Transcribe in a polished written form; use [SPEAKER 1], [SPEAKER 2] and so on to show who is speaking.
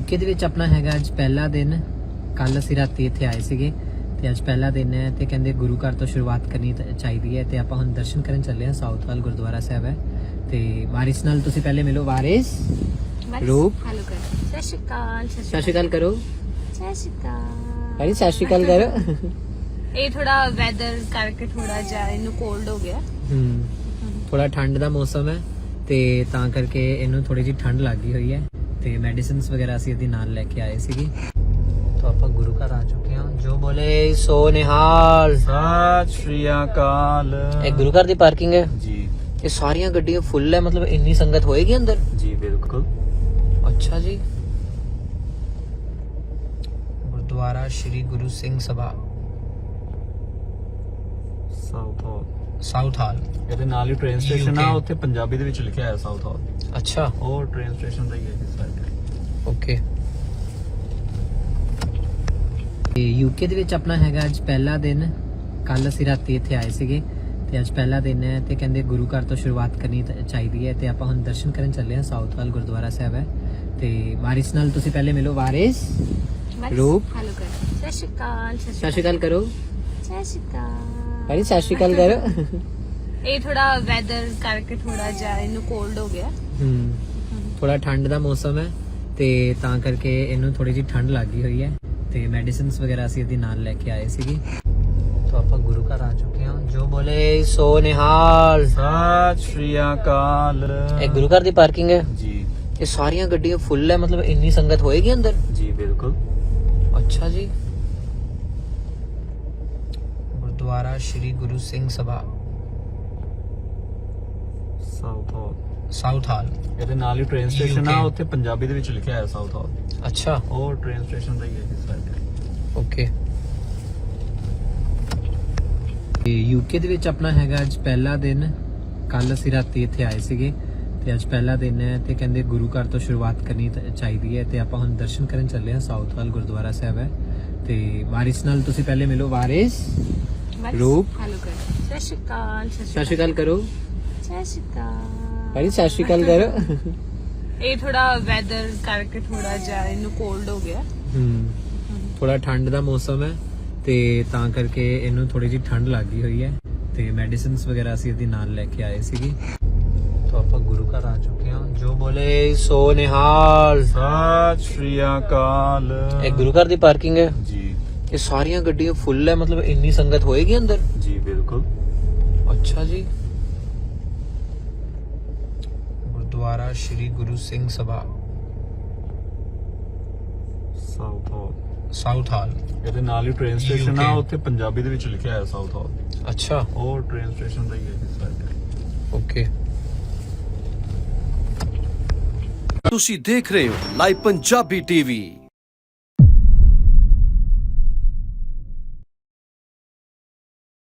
[SPEAKER 1] UK ਦੇ ਵਿੱਚ ਆਪਣਾ ਹੈਗਾ ਅੱਜ ਪਹਿਲਾ ਦਿਨ। ਕੱਲ ਅਸੀਂ ਰਾਤੀ ਇੱਥੇ ਆਏ ਸੀਗੇ ਤੇ ਅੱਜ ਪਹਿਲਾ ਦਿਨ ਹੈ ਤੇ ਕਹਿੰਦੇ ਗੁਰੂ ਘਰ ਤੋਂ ਸ਼ੁਰੂਆਤ ਕਰਨੀ ਚਾਹੀਦੀ ਹੈ ਤੇ ਆਪਾਂ ਹੁਣ ਦਰਸ਼ਨ ਕਰਨ ਚੱਲੇ ਹਾਂ। ਸਾਊਥਵਾਲ ਗੁਰਦੁਆਰਾ ਸਾਹਿਬ ਹੈ ਤੇ ਵਾਰਿਸ ਨਾਲ ਤੁਸੀਂ ਪਹਿਲੇ ਮਿਲੋ। ਵਾਰਿਸ ਰੂਪ
[SPEAKER 2] ਹੈਲੋ ਕਰ ਸਤਿ ਸ਼੍ਰੀ ਅਕਾਲ
[SPEAKER 1] ਸਤਿ ਸ਼੍ਰੀ ਅਕਾਲ ਕਰੋ।
[SPEAKER 2] ਸਤਿ ਸ਼੍ਰੀ ਅਕਾਲ
[SPEAKER 1] ਵਾਰਿਸ ਸਤਿ ਸ਼੍ਰੀ ਅਕਾਲ ਕਰੋ।
[SPEAKER 2] ਇਹ ਥੋੜਾ ਵੈਦਰ ਕਰਕੇ ਥੋੜਾ ਜਿਹਾ ਇਹਨੂੰ ਕੋਲਡ ਹੋ ਗਿਆ।
[SPEAKER 1] ਥੋੜਾ ਠੰਡ ਦਾ ਮੌਸਮ ਹੈ ਤੇ ਤਾਂ ਕਰਕੇ ਇਹਨੂੰ ਥੋੜੀ ਜਿਹੀ ਠੰਡ ਲੱਗੀ ਹੋਈ ਹੈ ਤੇ ਮੈਡੀਸਿਨਸ ਵਗੈਰਾ ਅਸੀਂ ਇਹਦੇ ਨਾਲ ਲੈ ਕੇ ਆਏ ਸੀਗੇ। ਤਾਂ ਆਪਾਂ ਗੁਰੂ ਘਰ ਆ ਚੁੱਕੇ ਹਾਂ। ਜੋ ਬੋਲੇ ਸੋ ਨਿਹਾਲ।
[SPEAKER 3] ਸਤਿ ਸ਼੍ਰੀ ਅਕਾਲ
[SPEAKER 1] ਇਹ ਗੁਰੂ ਘਰ ਦੀ ਪਾਰਕਿੰਗ ਹੈ
[SPEAKER 3] ਜੀ।
[SPEAKER 1] ਇਹ ਸਾਰੀਆਂ ਗੱਡੀਆਂ ਫੁੱਲ ਹੈ, ਮਤਲਬ ਇੰਨੀ ਸੰਗਤ ਹੋਏਗੀ ਅੰਦਰ।
[SPEAKER 3] ਜੀ ਬਿਲਕੁਲ।
[SPEAKER 1] ਅੱਛਾ ਜੀ। Gurdwara Shri Guru Singh Sabha Southall.
[SPEAKER 3] ਇਹਦੇ ਨਾਲ ਹੀ ਟ੍ਰੇਨ ਸਟੇਸ਼ਨ ਆ,
[SPEAKER 1] UK
[SPEAKER 3] ਉੱਥੇ ਪੰਜਾਬੀ ਦੇ ਵਿੱਚ ਲਿਖਿਆ ਹੈ ਸਾਊਥ ਹਾਲ।
[SPEAKER 1] ਅੱਛਾ
[SPEAKER 3] ਉਹ ਟ੍ਰੇਨ ਸਟੇਸ਼ਨ ਦਾ ਹੀ ਹੈ ਇਸ ਸਾਈਡ।
[SPEAKER 1] ਓਕੇ। ਯੂਕੇ ਦੇ ਵਿੱਚ ਆਪਣਾ ਹੈਗਾ ਅੱਜ ਪਹਿਲਾ ਦਿਨ। ਕੱਲ ਅਸੀਂ ਰਾਤੀ ਇੱਥੇ ਆਏ ਸੀਗੇ ਤੇ ਅੱਜ ਪਹਿਲਾ ਦਿਨ ਹੈ ਤੇ ਕਹਿੰਦੇ ਗੁਰੂ ਘਰ ਤੋਂ ਸ਼ੁਰੂਆਤ ਕਰਨੀ ਚਾਹੀਦੀ ਹੈ ਤੇ ਆਪਾਂ ਹੁਣ ਦਰਸ਼ਨ ਕਰਨ ਚੱਲੇ ਹਾਂ। ਸਾਊਥਵਾਲ ਗੁਰਦੁਆਰਾ ਸਾਹਿਬ ਹੈ ਤੇ ਵਾਰਿਸ ਨਾਲ ਤੁਸੀਂ ਪਹਿਲੇ ਮਿਲੋ। ਵਾਰਿਸ ਰੂਪ
[SPEAKER 2] ਹੈਲੋ ਕਰ ਸਤਿ ਸ਼੍ਰੀ ਅਕਾਲ
[SPEAKER 1] ਸਤਿ ਸ਼੍ਰੀ ਅਕਾਲ ਕਰੋ।
[SPEAKER 2] ਸਤਿ ਸ਼੍ਰੀ ਅਕਾਲ
[SPEAKER 1] ਵਾਰਿਸ ਸਤਿ ਸ਼੍ਰੀ ਅਕਾਲ ਕਰੋ।
[SPEAKER 2] ਇਹ ਥੋੜਾ ਵੈਦਰ ਕਰਕੇ ਥੋੜਾ ਜਿਹਾ ਇਹਨੂੰ ਕੋਲਡ ਹੋ ਗਿਆ।
[SPEAKER 1] ਥੋੜਾ ਠੰਡ ਦਾ ਮੌਸਮ ਹੈ ਤੇ ਤਾਂ ਕਰਕੇ ਇਹਨੂੰ ਥੋੜੀ ਜਿਹੀ ਠੰਡ ਲੱਗੀ ਹੋਈ ਹੈ ਤੇ ਮੈਡੀਸਿਨਸ ਵਗੈਰਾ ਅਸੀਂ ਇਹਦੇ ਨਾਲ ਲੈ ਕੇ ਆਏ ਸੀਗੇ। ਤਾਂ ਆਪਾਂ ਗੁਰੂ ਘਰ ਆ ਚੁੱਕੇ ਹਾਂ। ਜੋ ਬੋਲੇ ਸੋ ਨਿਹਾਲ।
[SPEAKER 3] ਸਤਿ ਸ਼੍ਰੀ ਅਕਾਲ
[SPEAKER 1] ਇਹ ਗੁਰੂ ਘਰ ਦੀ ਪਾਰਕਿੰਗ ਹੈ
[SPEAKER 3] ਜੀ।
[SPEAKER 1] ਇਹ ਸਾਰੀਆਂ ਗੱਡੀਆਂ ਫੁੱਲ ਹੈ, ਮਤਲਬ ਇੰਨੀ ਸੰਗਤ ਹੋਏਗੀ ਅੰਦਰ।
[SPEAKER 3] ਜੀ ਬਿਲਕੁਲ।
[SPEAKER 1] ਅੱਛਾ ਜੀ। Gurdwara Shri Guru Singh Sabha Southall.
[SPEAKER 3] ਇਹਦੇ ਨਾਲ ਹੀ ਟ੍ਰੇਨ ਸਟੇਸ਼ਨ ਆ,
[SPEAKER 1] UK
[SPEAKER 3] ਉੱਥੇ ਪੰਜਾਬੀ ਦੇ ਵਿੱਚ ਲਿਖਿਆ ਹੈ ਸਾਊਥ ਹਾਲ।
[SPEAKER 1] ਅੱਛਾ
[SPEAKER 3] ਉਹ ਟ੍ਰੇਨ ਸਟੇਸ਼ਨ ਦਾ ਹੀ ਹੈ ਇਸ ਸਾਈਡ।
[SPEAKER 1] ਓਕੇ। ਯੂਕੇ ਦੇ ਵਿੱਚ ਆਪਣਾ ਹੈਗਾ ਅੱਜ ਪਹਿਲਾ ਦਿਨ। ਕੱਲ ਅਸੀਂ ਰਾਤੀ ਇੱਥੇ ਆਏ ਸੀਗੇ ਤੇ ਅੱਜ ਪਹਿਲਾ ਦਿਨ ਹੈ ਤੇ ਕਹਿੰਦੇ ਗੁਰੂ ਘਰ ਤੋਂ ਸ਼ੁਰੂਆਤ ਕਰਨੀ ਚਾਹੀਦੀ ਹੈ ਤੇ ਆਪਾਂ ਹੁਣ ਦਰਸ਼ਨ ਕਰਨ ਚੱਲੇ ਹਾਂ। ਸਾਊਥਵਾਲ ਗੁਰਦੁਆਰਾ ਸਾਹਿਬ ਹੈ ਤੇ ਵਾਰਿਸ ਨਾਲ ਤੁਸੀਂ ਪਹਿਲੇ ਮਿਲੋ। ਵਾਰਿਸ ਰੂਪ
[SPEAKER 2] ਹੈਲੋ ਕਰ ਸਤਿ ਸ਼੍ਰੀ ਅਕਾਲ
[SPEAKER 1] ਸਤਿ ਸ਼੍ਰੀ ਅਕਾਲ ਕਰੋ।
[SPEAKER 2] ਸਤਿ ਸ਼੍ਰੀ ਅਕਾਲ
[SPEAKER 1] ਵਾਰਿਸ ਸਤਿ ਸ਼੍ਰੀ ਅਕਾਲ ਕਰੋ।
[SPEAKER 2] ਇਹ ਥੋੜਾ ਵੈਦਰ ਕਰਕੇ ਥੋੜਾ ਜਿਹਾ ਇਹਨੂੰ ਕੋਲਡ ਹੋ ਗਿਆ।
[SPEAKER 1] ਥੋੜਾ ਠੰਡ ਦਾ ਮੌਸਮ ਹੈ ਤੇ ਤਾਂ ਕਰਕੇ ਇਹਨੂੰ ਥੋੜੀ ਜਿਹੀ ਠੰਡ ਲੱਗੀ ਹੋਈ ਹੈ ਤੇ ਮੈਡੀਸਿਨਸ ਵਗੈਰਾ ਅਸੀਂ ਇਹਦੇ ਨਾਲ ਲੈ ਕੇ ਆਏ ਸੀਗੇ। ਤਾਂ ਆਪਾਂ ਗੁਰੂ ਘਰ ਆ ਚੁੱਕੇ ਹਾਂ। ਜੋ ਬੋਲੇ ਸੋ ਨਿਹਾਲ।
[SPEAKER 3] ਸਤਿ ਸ਼੍ਰੀ ਅਕਾਲ
[SPEAKER 1] ਇਹ ਗੁਰੂ ਘਰ ਦੀ ਪਾਰਕਿੰਗ ਹੈ
[SPEAKER 3] ਜੀ।
[SPEAKER 1] ਇਹ ਸਾਰੀਆਂ ਗੱਡੀਆਂ ਫੁੱਲ ਹੈ, ਮਤਲਬ ਇੰਨੀ ਸੰਗਤ ਹੋਏਗੀ ਅੰਦਰ।
[SPEAKER 3] ਜੀ ਬਿਲਕੁਲ।
[SPEAKER 1] ਅੱਛਾ ਜੀ। Gurdwara Shri Guru Singh Sabha Southall.
[SPEAKER 3] ਇਹਦੇ ਨਾਲ ਹੀ ਟ੍ਰੇਨ ਸਟੇਸ਼ਨ ਆ,
[SPEAKER 1] UK
[SPEAKER 3] ਉੱਥੇ ਪੰਜਾਬੀ ਦੇ ਵਿੱਚ ਲਿਖਿਆ ਹੈ ਸਾਊਥ ਹਾਲ।
[SPEAKER 1] ਅੱਛਾ
[SPEAKER 3] ਉਹ ਟ੍ਰੇਨ ਸਟੇਸ਼ਨ ਦਾ ਹੀ ਹੈ ਇਸ ਸਾਈਡ।
[SPEAKER 1] ਓਕੇ।
[SPEAKER 4] ਤੁਸੀਂ ਦੇਖ ਰਹੇ ਹੋ ਲਾਈਵ ਪੰਜਾਬੀ ਟੀਵੀ।